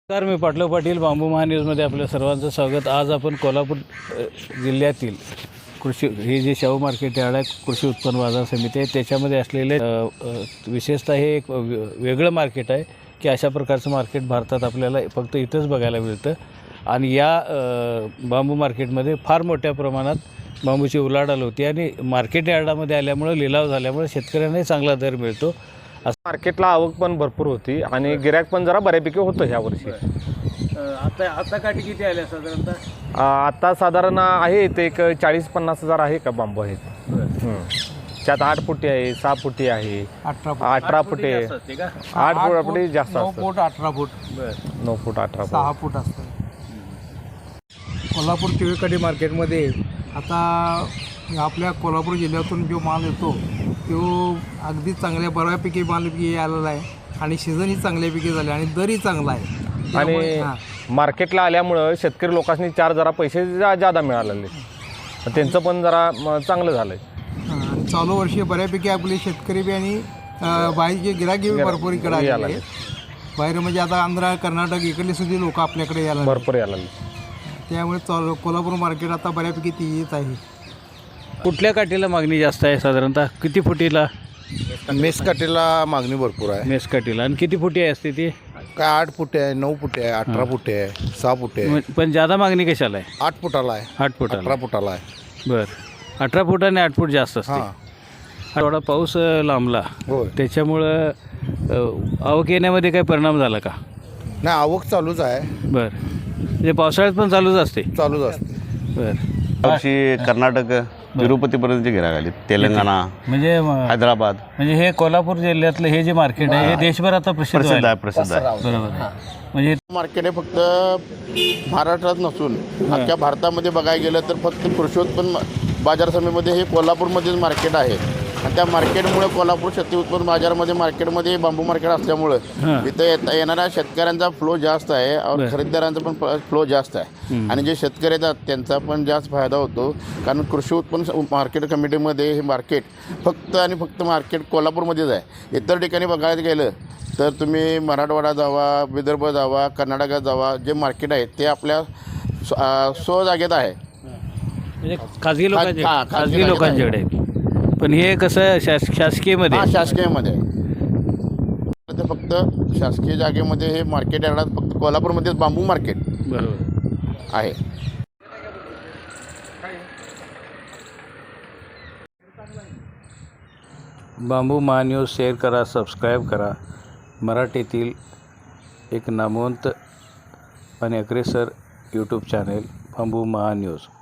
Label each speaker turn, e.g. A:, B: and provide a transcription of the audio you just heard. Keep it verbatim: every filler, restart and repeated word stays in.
A: नमस्कार, मी पाटलो पाटील बांबू महान्यूजमध्ये आपल्या सर्वांचं स्वागत. आज आपण कोल्हापूर जिल्ह्यातील कृषी हे जे शाहू मार्केट यार्ड आहे, कृषी उत्पन्न बाजार समिती आहे, त्याच्यामध्ये असलेले विशेषतः हे एक वेगळं मार्केट आहे की अशा प्रकारचं मार्केट भारतात आपल्याला फक्त इथंच बघायला मिळतं. आणि या बांबू मार्केटमध्ये फार मोठ्या प्रमाणात बांबूची उलाढाल होती आणि मार्केट यार्डामध्ये आल्यामुळं लिलाव झाल्यामुळे शेतकऱ्यांनाही चांगला दर मिळतो.
B: मार्केटला आवक पण भरपूर होती आणि गिऱ्हाईक पण जरा बऱ्यापैकी होतं ह्या वर्षी.
A: आता आता काठी किती आल्या साधारणतः?
B: आता साधारण आहे ते एक चाळीस पन्नास हजार आहे का बांबू आहेत. त्यात आठ फुटी आहे, सहा फुटी आहे,
A: अठरा
B: अठरा फुटे, आठ फुटी जास्त असतात.
A: फूट अठरा फूट
B: नऊ फूट अठरा
C: सहा फूट असतं. कोल्हापूर टिळकवाडी मार्केटमध्ये आता आपल्या कोल्हापूर जिल्ह्यातून जो माल येतो तो अगदी चांगल्या बऱ्यापैकी मालपैकी आलेला आहे आणि सीझनही चांगल्यापैकी झाले आणि दरही चांगला आहे.
B: आणि मार्केटला आल्यामुळं शेतकरी लोकांनी चार जरा पैसे जा जादा मिळालेले, त्यांचं पण जरा चांगलं झालं आहे.
C: आणि चालू वर्षी बऱ्यापैकी आपले शेतकरी बी आणि बाहेरचे गिराकी भरपूर इकडे आले. बाहेर म्हणजे आता आंध्र कर्नाटक इकडले सुद्धा लोक आपल्याकडे यायला
B: भरपूर यायला.
C: त्यामुळे चालू कोल्हापूर मार्केट आता बऱ्यापैकी ती येत आहे.
A: कुठल्या काठीला मागणी जास्त आहे साधारणतः? किती फुटीला?
D: मेस काठीला मागणी भरपूर आहे.
A: मेस काठीला. आणि किती फुटी असते ती?
D: काय आठ फुटे आहे, नऊ फुटे आहे, अठरा फुटे आहे, सहा फुटे आहे.
A: पण जादा मागणी कशाला आहे?
D: आठ फुटाला आहे,
A: आठ फुटाला.
D: अठरा फुटाला आहे.
A: बरं, अठरा फूट आणि आठ फूट जास्त असते.
D: हां,
A: थोडा पाऊस लांबला
D: हो.
A: त्याच्यामुळं आवक येण्यामध्ये काही परिणाम झाला का?
D: नाही, आवक चालूच आहे,
A: बरं, म्हणजे पावसाळ्यात पण चालूच असते.
D: चालूच असते.
A: बरं,
E: वर्षी कर्नाटक तिरुपतीपर्यंतचे गिराईक आले, तेलंगणा,
A: म्हणजे
E: हैदराबाद.
A: म्हणजे हे कोल्हापूर जिल्ह्यातलं हे जे मार्केट आहे हे देशभर आता प्रसिद्ध
E: प्रसिद्ध आहे
A: आहे.
E: प्रसिद्ध आहे
A: बरोबर आहे. म्हणजे
F: मार्केट हे फक्त महाराष्ट्रात नसून अख्ख्या भारतामध्ये बघायला गेलं तर फक्त कृषी उत्पन्न बाजार समितीमध्ये हे कोल्हापूरमध्येच मार्केट आहे. आणि त्या मार्केटमुळे कोल्हापूर शेती उत्पन्न बाजारमध्ये मार्केटमध्ये बांबू मार्केट असल्यामुळं इथं येता येणाऱ्या शेतकऱ्यांचा फ्लो जास्त आहे और खरेदीदारांचा पण फ्लो जास्त आहे. आणि जे शेतकरी येतात त्यांचा पण जास्त फायदा होतो, कारण कृषी उत्पन्न मार्केट कमिटीमध्ये हे मार्केट फक्त आणि फक्त मार्केट कोल्हापूरमध्येच आहे. इतर ठिकाणी बघायला गेलं तर तुम्ही मराठवाडा जावा, विदर्भ जावा, कर्नाटकात जावा, जे मार्केट आहे ते आपल्या स्व जागेत आहे,
A: म्हणजे खाजगी लोकांचे
F: हां, खाजगी
A: खाजगी लोकांच्याकडे आहे. पण हे कसं शास शासकीयमध्ये
F: हां शासकीयमध्ये ते फक्त शासकीय जागेमध्ये हे मार्केट यार्डात फक्त कोल्हापूरमध्येच बांबू मार्केट
A: बरोबर
F: आहे.
A: बांबू महान्यूज शेअर करा, सबस्क्राईब करा. मराठीतील एक नामवंत आणि अग्रेसर यूट्यूब चॅनेल बांबू महान्यूज.